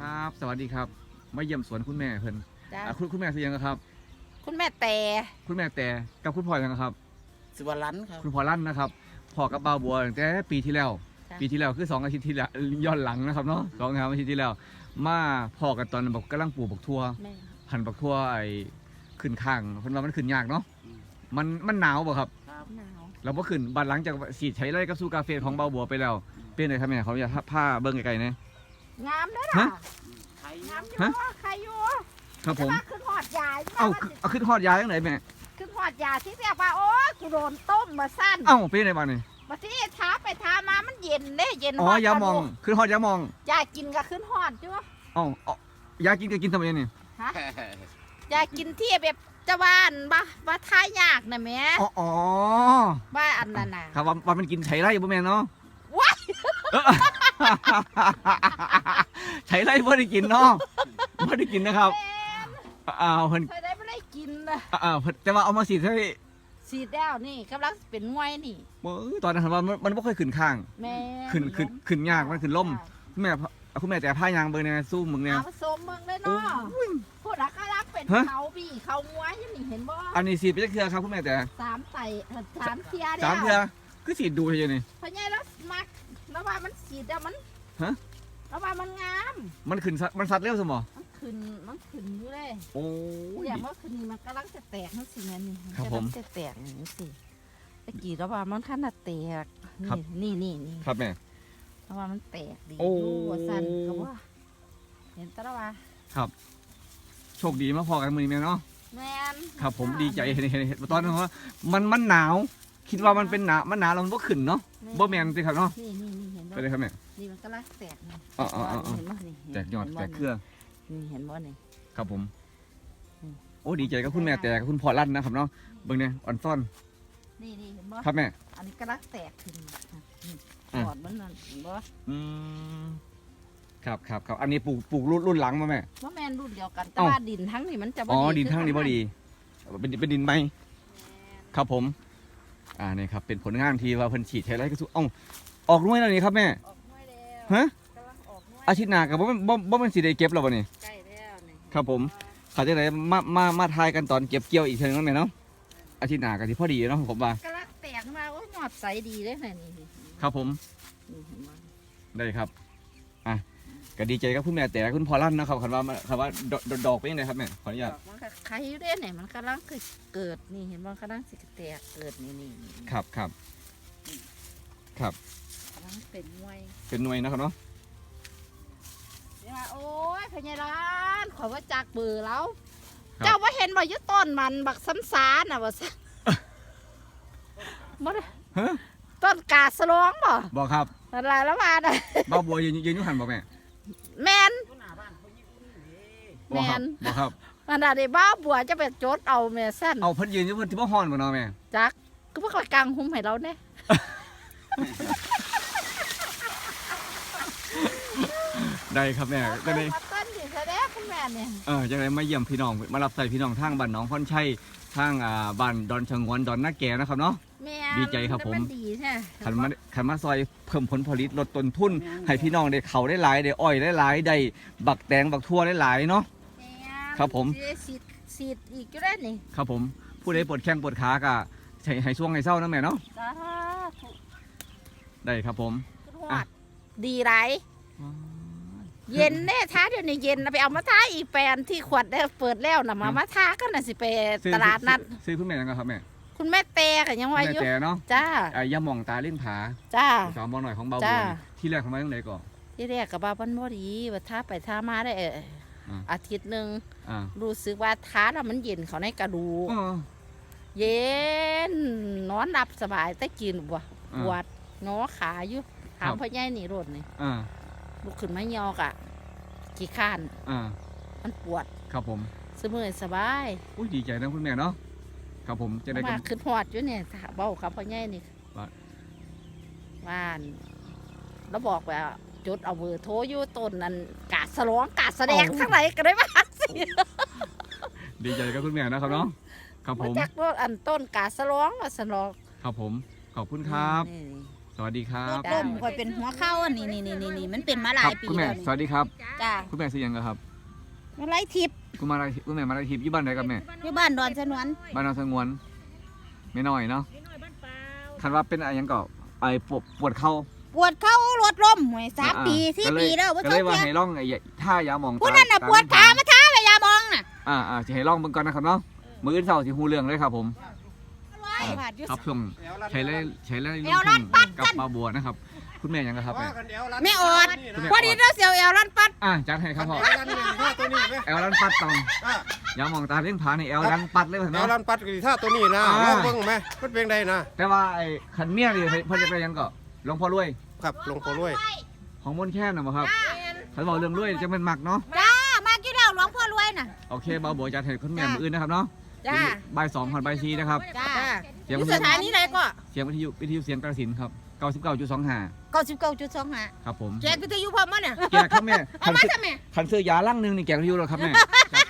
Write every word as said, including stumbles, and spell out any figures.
ครับสวัสดีครับมาเยี่ยมสวนคุณแม่เพิ่นจ้าอ่ะคุณคุณแม่เสียงครับคุณแม่แต่คุณแม่แต่กับคุณพ่อยังครับสิวรันครับคุณพ่อลั่นนะครับพ่อกับบ่าวบัวตั้งแต่ปีที่แล้วจ้ะปีที่แล้วคือสองอาทิตย์ที่แล้วย้อนหลังนะครับเนาะสองสามอาทิตย์ที่แล้ว มาพ่อกันตอนแบบกำลังปลูกบักทั่วแม่พันธุ์บักทั่วไอ้ขึ้นข้างเพิ่นว่ามันขึ้นยากเนาะมันมันหนาวบ่ครับครับหนาวเราบ่ขึ้นบัดหลังจากสีดใช้ไรกับสู้กาเฟของบ่าวบัวไปแล้วเป็นไงครับแม่เขาอยากผ้าเบิ่งไกลๆนะงามเด้อฮะล่ะไทยงามอยู่ฮะว่าใครอยู่ครับผมแต่ว่าขึ้นหอดยาเอ้าเอาขึ้นฮอดยาจังไดแม่ขึ้นหอดยาที่เรียกว่าโอ๊ยกูโดนต้มมาสั้นเอ้าเป็นไงบ้างนี่มาที่ท้าไปท้ามามันเย็นเด้เย็นอ๋อยามองขึ้นฮอดยามองยากินก็ขึ้นหอดจ้ะเอ้าเอายากินก็กินทำไมนี่ฮะยากินที่แบบจะว่านบ่ว่าท้ายยากนะแม่อ๋ออ๋อว่าอันนั้นน่ะครับว่าว่ามันกินไฉไร่บ่แม่นเนาะว้ายเออไฉไร่บ่ได้กินเนาะบ่ได้กินนะครับแม่อ้าวเพิ่นเคยได้ไม่ได้กินนะอ้าวเพิ่นแต่ว่าเอามาสีดให้สีดแล้วนี่กำลังเป็นงวยนี่เออตอนนั้นว่ามันมันบ่ค่อยขึ้นข้างแม่ขึ้นขึ้นขึ้นยากมันขึ้นล่ม คุณแม่คุณแม่แต่ผ้ายางเบิ่งแน่สู้มึงเนี่ยเอาผสมเมืองเลยเนาะพูดอะก็รับเป็นฮะเขาบี้เขางวยอยู่นี่เห็นบ่อันนี้สีดไปจักเทื่อครับคุณแม่แต่สามไต่เอ่อสามเทียสามเทื่อคือสีดดูเฉยๆนี่เพราะไงแล้วมักแล้วว่ามันสีดแล้วมันฮะแล้วว่ามันงามมันขึ้นซัดมันซัดเร็วซั่นบ่มันขึ้นมันขึ้นอยู่เลยโอ้ยอย่างเมื่อคืนนี้มันกำลังจะแตกนั่นสิแม่นี่ครับกำผลัมงจะแตกนี่สิตะกี้แล้วว่ามันขนาดแตกครับนี่นี่นี่นี่ครับแม่แล้วว่ามันแตกดีโอ้ว่าสั่นก็ว่าเห็นแตแล้วว่าโชคดีมาพอกันมื้อนี้แม่เนาะแม่นครับผมดีใจเห็นเห็นเห็นตอนนั้นว่ามันมันหนาว คิดว่ามันเป็นหนาวมันหนาวแล้วมันบ่ขึ้นเนาะบ่แม่นสิครับเนาะนี่นี่นี่เห็นบ่ไปเลยครับแม่นี่มันกำลังแตกนี่อ๋ออ๋ออ๋อเห็นบ่นี่แตกยอดห็นบ่แตกเครือนี่เห็นบ่นี่ครับผมอืมโอ้ดีใจกับคุณแม่แต่กับคุณพ่อลั่นนะครับเนาะเบิ่งเนี่ยอ่อนซ่อนนี่นี่เห็นบ่ครับแม่อันนี้กำลังแตกขึ้นนี่อ่ะปอดมันนั่นเห็นบ่อืมครับครับครับอันนี้ปลูกปลูกรุ่นรุ่นหลังมาแม่ว่าแม่นรุ่นเดียวกันแต่เอ้าว่าดินทั้งนี่มันจะบ่อ๋อดีดินข้างนี้บ่คือดีเป็นเป็นดินไหมครับผมอ่านี่ครับเป็นผลงานที่ว่าเพิ่นฉีดใช้ไรก็สู้เอ้าออกหน่วยแล้วนี่ครับแม่ออกหน่วยแล้วฮะกำลังออกหน่วยอาทิตย์หน้าก็บ่แม่นบ่บ่แม่นสิได้เก็บแล้วบ่นี่ใกล้แล้วนี่ครับผม เขาจะได้มามามาทายกันตอนเก็บเกี่ยวอีกเทีนึงนั่นแหละเนาะอาทิตย์หน้าก็สิพอดีเนาะผมว่ากำลังแตกมาโอ้ยหยอดใสดีเลยนะนี่นี่ครับผมนี่เห็นบ่ได้ครับอ่ะก็ดีใจกับคุณแม่แต่คุณพ่อลั่นนะครับคำว่าคำว่าดอกดอกเป็นยังไงครับแม่ขออนุญาตดอกมันก็ไข่อยู่เด้เนี่ยมันกำลังเกิดนี่เห็นบ่กำลังสิแตกเกิดนี่นี่นี่ครับครับครับกำลังเป็นหน่วยเป็นหน่วยนะครับเนาะเดี๋ยวว่าโอ้ยพญาร้านขอว่าจากเบื่อแล้วครับเจ้าว่าเห็นว่าอยู่ต้นมันบักซ้ำซาน่ะว่าซั่นบ่ได้ฮะต้นกาสลองบ่บอกครับอะไรแล้วมาน่ะบ้าวบัวยืนยืนอยุหันบอกแม่แมนหน้าบ้านเขายิบอุ่นนี่บอกครับแม่นบอกครับอันนั้นได้บ้าบัวจะไปจดเอาแม่สั้นเอาเพิ่นยืนอยู่เพิ่นที่บ่ฮ้อนบ่เนาะแม่จักก็พวกกลางหุ้มให้เราเนี่ยได้ครับแม่ก็ได้มาต้นดิแสดงคุณแม่เนี่ยเออจังไดมาเยี่ยมพี่น้องมารับใส่พี่น้องทางบ้านหนองพรชัยทางอ่าบ้านดอนชงวนดอนนาแก่นะครับเนาะแม่ดีใจครับผมนดีใช่ขันมาขันมาซอยเพิ่มผลผลิตลดต้นทุนให้พี่น้องได้เขาได้หลายได้อ้อยได้หลายได้บักแตงบักทั่วได้หลายเนาะ ครับผมสีดสีดอีกก็ได้นี่ครับผมผู้ใดปวดแข้งปวดขาก็ให้ให้ช่วงให้เศร้านะแม่เนาะสาธุได้ครับผมขึ้นหออ่ะดดีไรเย็นแน่ท้าเดี๋ยวนี้เย็นนะไปเอามาท้าอีกแปลนที่ขวดได้เปิดแล้วนะมามาท้าก็น่ะสิไปซื้อตลาดนัดซื้อซื้อคุณแม่ยังไงครับแม่คุณแม่เตกันยังคุณว่าแม่อยู่แต่เนาะจ้าอ่ะอย่ามองตาเล่นผาจ้าสาวมอหน่อยของเบาจ้าบัวนี่ที่แรกทำไมต้องไหนก่อนที่แรกกับบ้าบ้านบ่ดีว่าท้าไปท้ามาได้เอ่ออา อาทิตย์หนึ่งอ่ารู้สึกว่าท้าแล้วมันเย็นเขาในกระดูกอ๋อเย็นนอนหลับสบายแต่กินบ่อ่าปวดงอขาอยู่ถามครับพ่อใหญ่นี่รถนี่อ่าลุกขึ้นมายอกอ่ะขี้ข้านอ่ามันปวดครับผมสมือสบายอุ้ยดีใจนะคุณแม่เนาะครับผมจะได้มากันขึ้นหอดอยู่เนี่ยถ้าเบ้าครับพ่อใหญ่นี่ว่าว่านแล้วบอกว่าจดเอาเบอร์โทรอยู่ต้นนั้นกาดสลองกาดแสดงทั้งไหนก็ได้ว่าสิดีใจกับคุณแม่นะครับเนาะครับผมมาจากรถอันต้นกาดสลองว่าสลองครับผม ขอบคุณครับนี่สวัสดีครัโรบคลมคอยเป็นหัวเข่าอันนี้นี่นี่นี่นี่มันเป็นมาหคลารัยบปีคุณแม่แล้วสวัสดีครับจ้าคุณแม่ซื้อยังครับมาไล่ทิพย์คุณมาอะไรคุณแม่มาอะไรทิพย์อยู่บ้านไหนกับแม่อยู่บ้านดอนสนวนบ้านนอนสงวนไม่น้อยเนาะคันว่าเป็นอะไรยังก็ไอ้ปวดปวดเข่าปวดเข่ารถล้มหวยสามอ่าปีสี่ก็เลยปีแล้วว่าก็ชเลอย บว่าเพียให้ร่องไอ้ท่ายาหมองผู้นั้นน่ะตปวดขามาท้าไปยามองน่ะอ่าอ่าจะให้ร่องเบิ่งก่อนนะครับเนาะมืออื่นเสาร์สิฮู้เรื่องเลยครับผมบาดอยู่ครับช่วงใช้เล่ใช้เล่แอวลั่นปัดกับปลาบัวนะครับ คุณแม่ยังครับแม่ไม่อดพอดีเราเสียวแอวลั่นปัดอ่ะจัดให้ครับพ่อแอลลันนี่ท่าตัวนี้ไหมแอลลันปัดตองอ่ะยามองตาเลี้ยงผาในแอลลันปัดเลยแอเนาะลลันปัดกี่ท่าตัวนี้นะอ่าลองเบิ่งไหมมันเป็นไงนะแต่ว่าไอ้ขันเมียนี่เพิ่นจะไปยังก็หลวงพ่อรวยครับหลวงพ่อรวยของมนต์แค่นนะบ่ครับเขาบอกเรื่องรวยจะเป็นหมักเนาะจ้ามากี่แล้วหลวงพ่อรวยน่ะโอเคบ่าวบัวจัดให้คุณแม่มืออื่นนะครับเนาะจ้าบ่ายสองผ่านบ่ายสี่นะครับจ้าเสียงอวิยู่ทสยุถานีไหนก็เสียงวิทยุวิทยุเสียงกระสินครับเก้าสิบเก้าจุดสองห้าเก้าสิบเก้าจุดสองห้าครับผมแจกวิทยุพร้อมมั้ยเนี่ยแกครับแม่เอาคันมาซื้อซะแม่คันซื้อยาลั่งหนึงนี่แกกวิทยุแล้วครับแม่จัด